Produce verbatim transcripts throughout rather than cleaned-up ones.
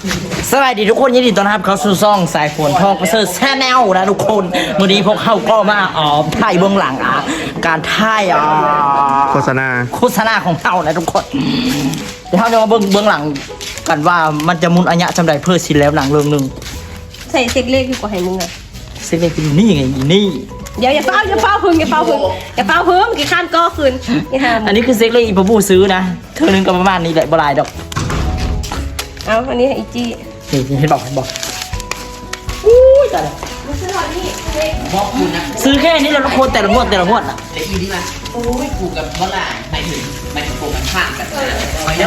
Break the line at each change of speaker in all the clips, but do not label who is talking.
สวัสดีทุกคนยินดีต้อนรับเข้าสู่ซ่องสายฝนทองประเสริฐแชนแนลนะทุกคนวันนี้พวกเขาก็มาอ๋อถ่ายเบื้องหลังอ่ะการถ่ายอ่ะ
โฆษณา
โฆษณาของเขานะทุกคนเดี๋ยวเขาจะมาเบื้องเบื้องหลังกันว่ามันจะมุนอัญญะจำได้เพื่อสินแล้วหนังเรื่องหนึ่ง
ใส่เซ็กเล็กดีกว่าให้มึงอ่ะ
เซ็กเล็กนี่ไงนี่
เดี๋ยวอย่าเฝ้าอย่าเฝ้าพึ่งอย่าเฝ้าพึ่งอย่าเฝ้าพึ่งกี่ขั้นก็คืนนี่ฮะ
อันนี้คือเซ็กเล็กอีปะบูซื้อนะเธอนึงก็ประมาณนี้แหละบลายดอก
เอาอันนี้ให้อีจี้
นี่เห็นบอกเห็นบอกอู้ยตายแล้ว
มาซื้อหน่อยนี่เล็ก
บอกคุณนะ
ซื้อแค่นี้แล้วทุกคนแต่ละงวดแต่ละงวดอ่ะ
เด็กอยู่นี่มาโอ้ยกูกับเมื่อไหร่หมายถึงหมายถึงกูมันผ่านกันไปแล้ว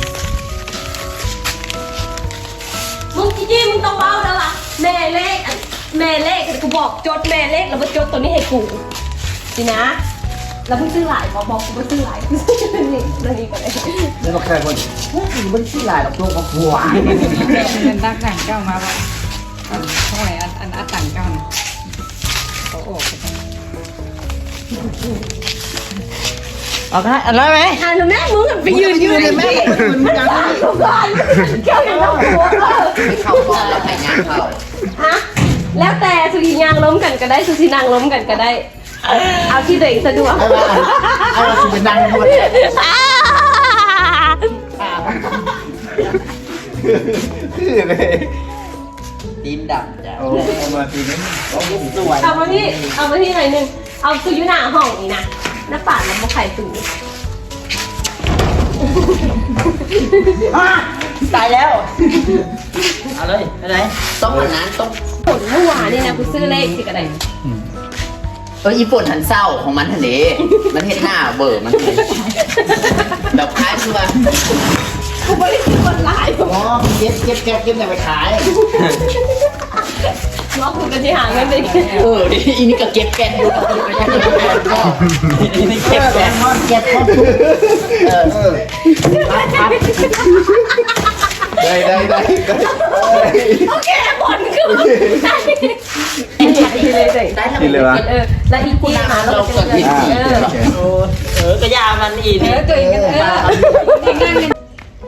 มึงจี้มึงต้องเฝ้าแล้วล่ะแม่เลขแม่เลขกูบอกจดแม่เลขแล้วมาจดตัวนี้ให้กูสินะแล้วมึงซื้อหลายบอกบอกกูมาซื้อหลายกูซื้อนี่แล้วนี่ก็ได้
แล้วก็แค่คนมันชื่อลายดอกตัวของผัว
เป็นตักต่างเจ้ามาว่าเท่าไหร่อันอันอันต่างเจ้านะเขาออกไปทาง
เอาได้อะไรไหม
อ่านแม่มึงไปยืนยืนเลยแม่มันบ้าทุกคนเกี่ยวกับหัว
เขาบอกแล้วใครงานเขา
ฮะแล้วแต่สุริยางล้มกันก็ได้สุสีนางล้มกันก็ได้ เอาที่ตัวเองสะดวก
เอาเราสิเป็นนางด้วย
คือเลย
ตีนดำจ้ะ
โอ้เอามาทีนี้
สวย
เอามาที่เอามาที่หน่อยหนึงเอาสุยุหน้าห้องนี่นะหน้าป่านแล้วมาไข่สู
ตายแล้วเอาเลยไปไหน
ต้องวันนั้นต้อง
ผลเมื่อวานนี่นะกูซื้อเลขสิกระได
เอออีฝุ่นหันเศร้าของมันทะเลมันเห็นหน้าเบอร์มันเลยแบบคล้ายคือว่า
กูไม่ได้ซื้อคนร้าย
อ๋อเก็บเก็บเก็บเก็บแต่ไปขาย
ล้อกูกันที่หาเงินไป
เออดิอีนี่ก็เก็บแกนอยู่ไปยังไงก็
นี่เก็บแกนทอดเก็บทอดเออเออครับ
ได้ได้ได้ได้
โอเคผลคือได้เลยเลย
ได้แล้ว
กินเลยวะ
เออแล้วอีกที่หาเราจะเงินเออ
โอ้เออกระยามันอี
เอ
นี่
อตัวเองเออง่ายๆ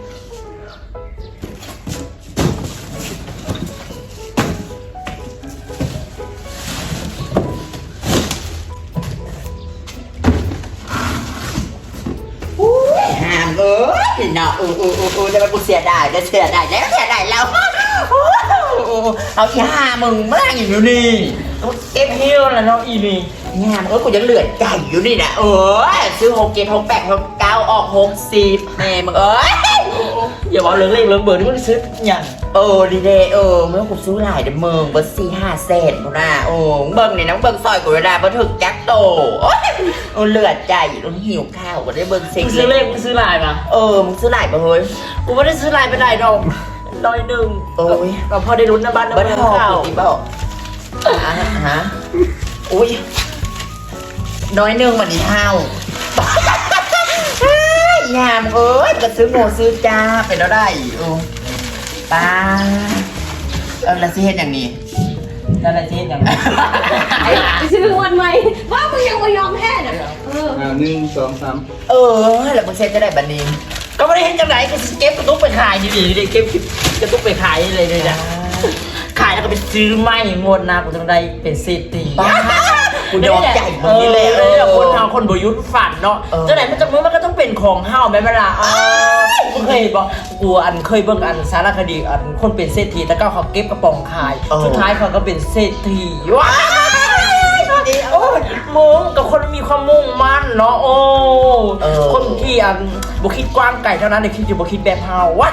ห้ามเออเนาะเออเออเออเออจะไปกูเสียดายจะเสียดายแล้วเสียดายแล้วเอาอีห้ามึงมานั่งอยู่นี่
เก็บฮิ้วแล้วน้องอีนี่
งานเออกูยังเหลือใจอยู่นี่นะเออซื้อหกเจ็ดหกแปดหกเก้าออกหกสิบแม่มึงเอ้ย
อย่าบอกเรื่องเล็กเรื่องเบอร์ที่มันซื้ออย่าง
เออดีเดเออเมื่อกูซื้อหลายเดมึงเบอร์สี่ห้าเซนกูนะโอ้เบิ้งเนี่ยน้องเบิ้งซอยกูเวลาบันทึกจักโตโอ้ยโอ้เหลือใจแล้วหิวข้าวก็ได้เบิ้งเซ็ก
มึงซื้อเลขมึงซื้อลายมา
เออมึงซื้อหลายปะเฮ้ย
กูไม่ได้ซื้อลายไปไหนดอกร้อยหนึ่ง
โอ้ย
ก็พอได้ลุ้นนะบ้านนะ
บัน
เมือง
ทอง
ข้าว
อีบอกอ่ะฮะอุ้ยน้อยหนึ่งวันนี้เท่ายามเอ้ยก็ซื้อโง่ซื้อจ้าไปแล้วได้โอ้ป้าเออแล้วสิเฮ็ดอย่างนี้
นั่นแหละที่อย่างนั้น
ไปซื้อวันใหม่ว่ามึงยังไม่ยอมแพ้น่ะเออ
อ่าหนึ่งสองสาม
เออแล้วมึงเซ็ตจะได้บันนี้
ก็ไม่ได้เห็นจังไหนก็เก็บกระตุกไปขายดีๆเลยเก็บกระตุกไปขายเลยเลยนะขายแล้วก็ไปซื้อไม้งวดนะกูต้องได้เป็นเศรษฐี
บ้ากูยอมใจมึ
เอง
นี่
อ
เลย
เออคนทางคนบยุทธ์ฝันเนาะ
เออ
จังไหนมันจะมือมันก็ต้องเป็นของเฮาแม่เวลาอ๋อกูเคยบอกกูอันเคยเบิ่งอันสารคดีอันคนเป็นเศรษฐีแต่ก็เขาเก็บกระป๋องขายสุดท้ายเขาก็เป็นเศรษฐีว้ายโอ้ยมึงกับคนมีความมุ่งมั่นเนาะโอ้คนที่อันบุคิดกว้างไก่เท่านั้นเด็กคิดอยู่บุคิดแบบเฮาว้า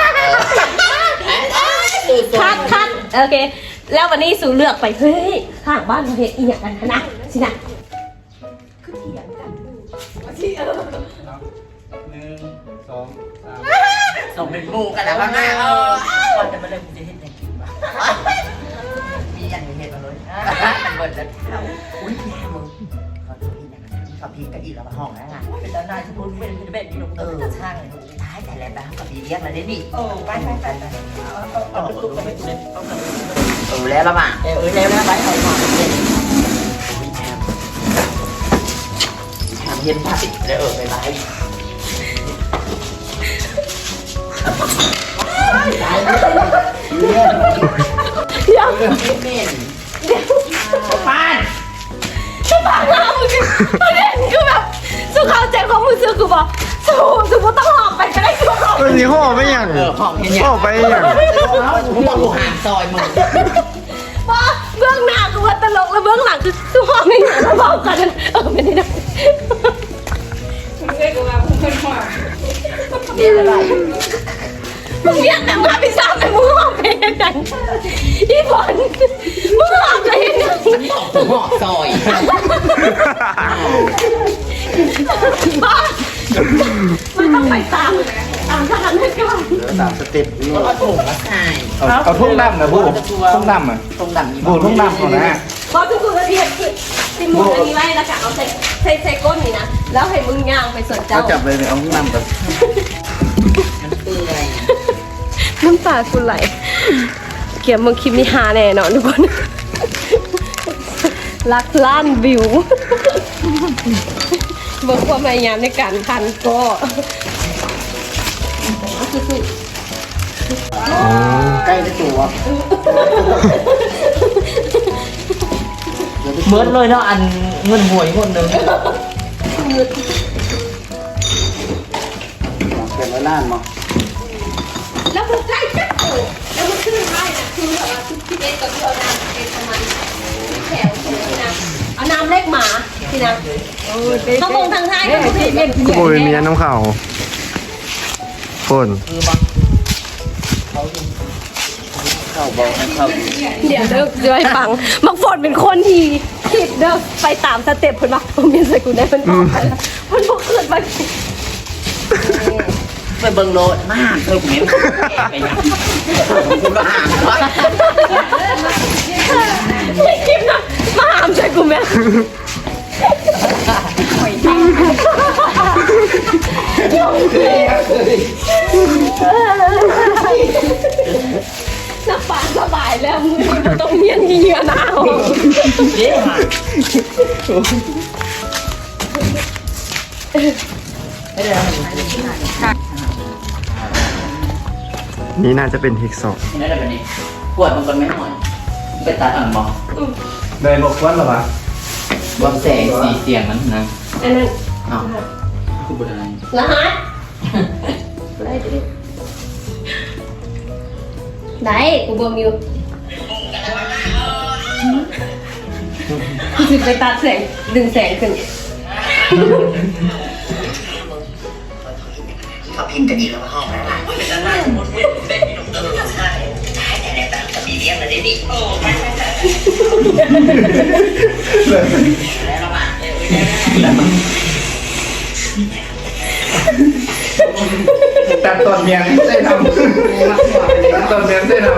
ดูตัว
คัดคัดโอเค แล้ววันนี้สู่เลือกไปเฮ้ยข้างบ้านเขาเห็นอีหยังกันนะสินะคือเถียงกันที่เออ
หนึ่งสองสาม
ส่งเป็นงูกันนะพ่อแม่เออ
ก่อนจะมาเล่นกูจะเห็นแต่กินบ้า
มีอย่างนี้เห็นมาเลยมันเบิดแล้วอุ้ยแม่มึงขอโทษอีกนะขอพีกับอีกแล้วมาห้องแล้วไง
เป็นตาหน้าที่พูดเป็นเป็นแบบนี้หนู
เอ
เอ
อ
อ
ช่างท้ายแต่แล้วนะกับพีเรียกแล้วได้ดิ
เออไปไปไปไปเอาไปตุ๊กไปไปตุ๊กเอาไป
เออแล้วละมั้ง
เออเออแล้วแล้วไปเอามาเนี่ย
อุ้ยแถมแถมเย็นผ้าปิดแล้วเออไปไป
เดี๋ยว
เม่น
เดี๋ยว
ป้าน
ฉันปากหน้ามึงประเด็นคือแบบสุขเอาใจของมึงซื้อคือบอกสู้สู้ว่าต้องหอบไปก็ได้สู้หอบ
วันนี้ห่อไปยัง
เออหอมเห็นยัง
ห่อไปยัง
มึงต้องดูห่างซอยมึง
ว่าเบื้องหน้าคือว่าตลกแล้วเบื้องหลังคือสู้หอบไม่หนาแล้วบอกกันเออไม่ได้นะ
มึงเคยกูมาพุ่งขึ้นหัว
เรียกอะไร
มึงเรียกแต่มาพิซซ่าไปมึงหอบไปยังไงอีฝนมึงหอบไปยังไง
มันตอกถึงหอกซอย
บ้ามันต้องไปตามตามทหารให้ก่อน
สามสเต็ป
แล้วก็ถุงมาใส่
เอาเอาทุ่งดำนะบูทุ่งดำอ่ะ
ตรงดำนี่
บูทุ่งดำก่อนนะ
พอทุกคนละเอียดคือติมูอันนี้ไว้แล้วก็เอาใส่ใส่ใส่ก้นนี่นะแล้วให้มึงย่างไปสวนเจ้า
เขาจับเลยเนี่ยเอาทุ่งดำก่อน
มันเปื่อย
น้ำตาคุณไหลเกี่ยวมึงคลิปนี้ฮาแน่นอนทุกคนลักล้านวิวเบิกความพยายามในการทันก็สุด
ใกล้ได้ตัว
เหมือนเลยเนาะอันเงินหวยคนหนึ่ง
เก็บไว้ล้านมั้ง
ๆแล้วมึงใกล้จับโอ้แล้วมึงขึ้นไม้นะคือแบบว่าทุกที่เด็กกับที่เอาน้ำเองประมาณแถวที่นะเอาน้ำเล็กหมาที่นะเขาคงทางท้ายก็คือเป็น
กูโบเป็นเมียน้ำข่าวฝน
คือมา
เข้าบอกให้เข้า
เดี๋ยวเด้อเดี๋ยวให้ฟังมักฝนเป็นคนที่คิดเด้อไปตามสเต็ปเพิ่นว่าผมมีสกุลได้เพิ่นบอกไปแล้วเพิ่นบ่ขึ้นมา
ไปเบิ่งโลดมากเธอเหม็นไปยังคุณมาห่างวะ
ไม่คิดนะมาหามใจกูแม่น้ำปลาสบายแล้วมึงบ่ต้องเมียนเหงื่อหนาว
เย้ห่าไม่ได้แล้ว
นี่น่าจะเป็นเทคสอง
นี่ได้แบบนี้ปวดมันก็ไม่หน่อยไปตัดอ่อนมอง
ได้บอกวันหรอวะ
บนแสงสีเสียงมันนะ
อันนั้น
อ้าวคือบนอะไร
รหัสได้ดิได้กูเบิ่งอยู่สิไปตัดแสงดึงแสงขึ้น
เขาพิมพ์กันอีกแล้วห้องแล้วล่ะเป็นด้านล่างมุดมุดเป็นมีหนุ่มเออใช่ใช่แต่ในตามจะมีเลี้ยงอะไรดิโอ้ไม่ไม่ไม่แล้วละมา
ตัดตอนเมียงเส้นดำตัดตอนเมียงเส้นดำ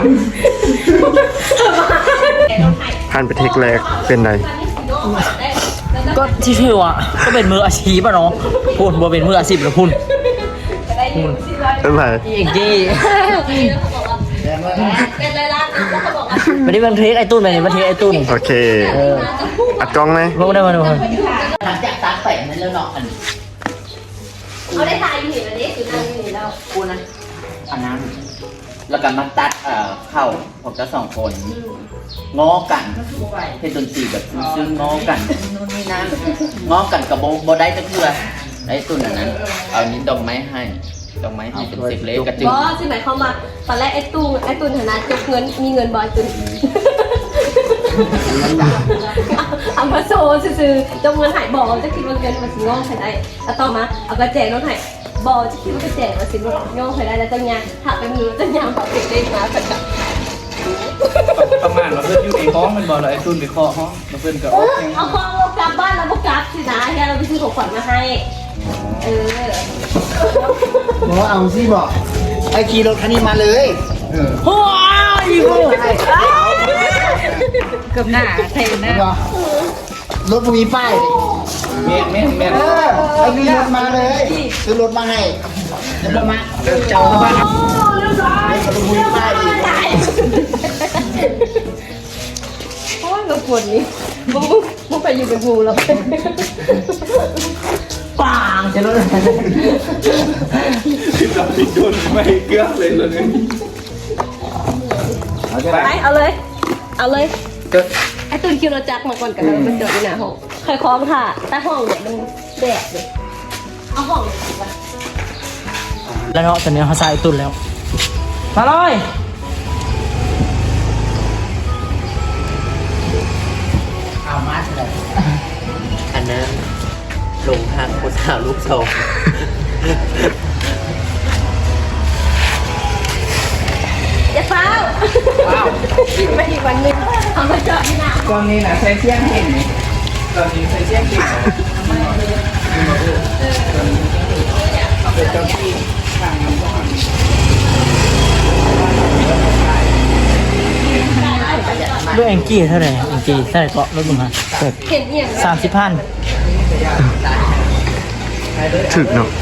ผ่านไปเทคแรกเป็นไร
ก็ที่ชื่อว่าก็เป็นมืออาชีพอะเนาะพูดบ่เป็นมืออาชีพหรือพูด
เป็นไร
อีกที่
เป็นไรล่ะแล้วเขาบอกว่า
ไม่ได้บันเทคไอ้ตุ้นไปนี่บันเทคไอ้ตุ้น
โอเค อัดกล้องไหม
ไม่ได้มาดู
หลังจากตัดแต่งนั้นแล้วเนาะอัน
เขาได้ทายอยู่นี่แล้วนี่คือนั่งอยู่นี่แล้ว
กูนะอันนั้นแล้วก็มาตัดเอ่อเข้าผมจะสองคนง้อกันเฮ็ดดนตรีแบบซึ้งๆง้อกันนู่นนี่นั่นง้อกันกับโบโบได้ก็คือไอ้ตุ้นอันนั้นเอานี้ดอกไม้ให้ดอกไม้ให้เป็นสิบเล็กกระจุก
บอสใช่ไหมเขามาตอนแรกไอ้ตู้ไอ้ตู้ฐานะจกเงินมีเงินบอยตุ้นเอามาโซ่ซื้อๆจกเงินหายบอจะคิดว่าเงินมาสิงอกใครได้เอาต่อมาเอากระแจน้องหายบอจะคิดว่ากระแจมาสิงอกใครได้แล้วจะยางหักไปมือจะยางปากเด็กๆมาสักกับ
ประมาณว่าเพื่อนอยู่ในห้องมันบอกเลยไอ้ตุ้นไปเคาะห้องแล้วเพื่อนก็ออกยัง
เอาของเรากลับบ้านแล้วก็กลับสินะแค่เราไปซื้อของขวัญมาให้ เออ
บอกเอาสิบอกไอ้ขี่รถคันนี้มาเลย
เออ
โอ้ยกู
เกือบหน้าเทนหน้า
บอกรถมันมีป้ายดิ
แม่นแม่นแม่น
เออไอ้มีรถมาเลยซื้อรถมาให้เดี๋ยวรถมาเดี๋ยวเจ้าเข้าบ้าน
โอ้เรียบร้อย
รถมีป้ายดิ
โอ้ยเราปวดนี้มึงมึงมึงไปอยู่กับงูแล้ว
ปางจะรู้เลย
คือเราติดโดนไม่เกลือเลยเลย
เอาจะ
ไป
ไป
เอาเลย เอาเลย
ก็
ไอ้ตุนคิวรถจักรมาก่อนกันแล้วมันจอดอยู่หน้าห้องเคยคล้องค่ะแต่ห้องเนี่ยมันแดดเลยเอาห้องเลยไป
แล้วเนาะตอนนี้เขาใส่ตุนแล้วมาเลย
เอามาเลยอันนั้นลงทางผู้สาวลูกโซ
อย่าเฝ้าไม่อีกวันหนึงเอามาจอดที่หน้า
ตอนนี้นะใส่เสี้ยงเห็นไหมตอนนี้ใส่เสี้ยงเห็นเป็นเจ้าที่ทางน้ำก่อน
ด้วยแองจี้เท่าไหร่แองจี้เท่าไหร่เกาะรถมึงฮะ
เห็นเอียง
สามสิบพัน
ถึกเนาะ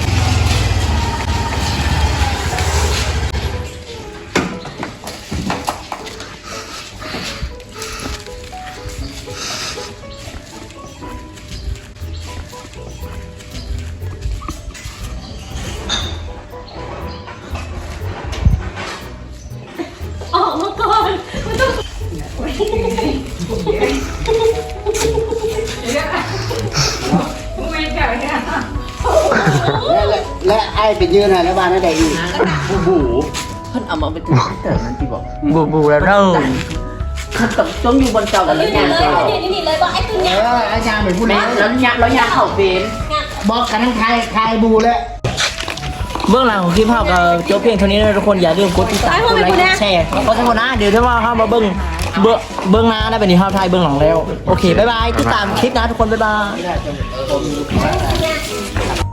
ออกมาก่อนไม่ต้อง
ไม่เก่าเนี่ย
และและและไอ้เป็นยืนอะไรบ้านนั่นใดอีก
บูบูเพิ่นเอามาเป็นตัวเต๋อนั่นที่บอก
บูบูแล้วเริ่ม
เพิ่นต้องต้องอยู่บนเก่าแล้ว
นี่
ยาง
เลย
เก่า
นี่นี่เลยบอกไอ้ตุน
เอ
เนี่ย
ออาจารย์เป็นผู้
แม่
นำ
แล้วยางแล้วยางเข่าเป็น
บอกกันทั้งไทยไทยบูแล้ว
เบื้องหลังของคลิปภาพก็จบเพียงเท่านี้นะทุกคนอย่าลืมกดติดตามกดไลค์กดแชร์กดซับสไครต์นะเดี๋ยวถ้าว่าเข้ามาเบื้องเบื้องเบื้องหน้าได้เป็นที่ภาพไทยเบื้องหลังแล้วโอเคบ๊ายบายติดตามคลิปนะทุกคนบ๊ายบาย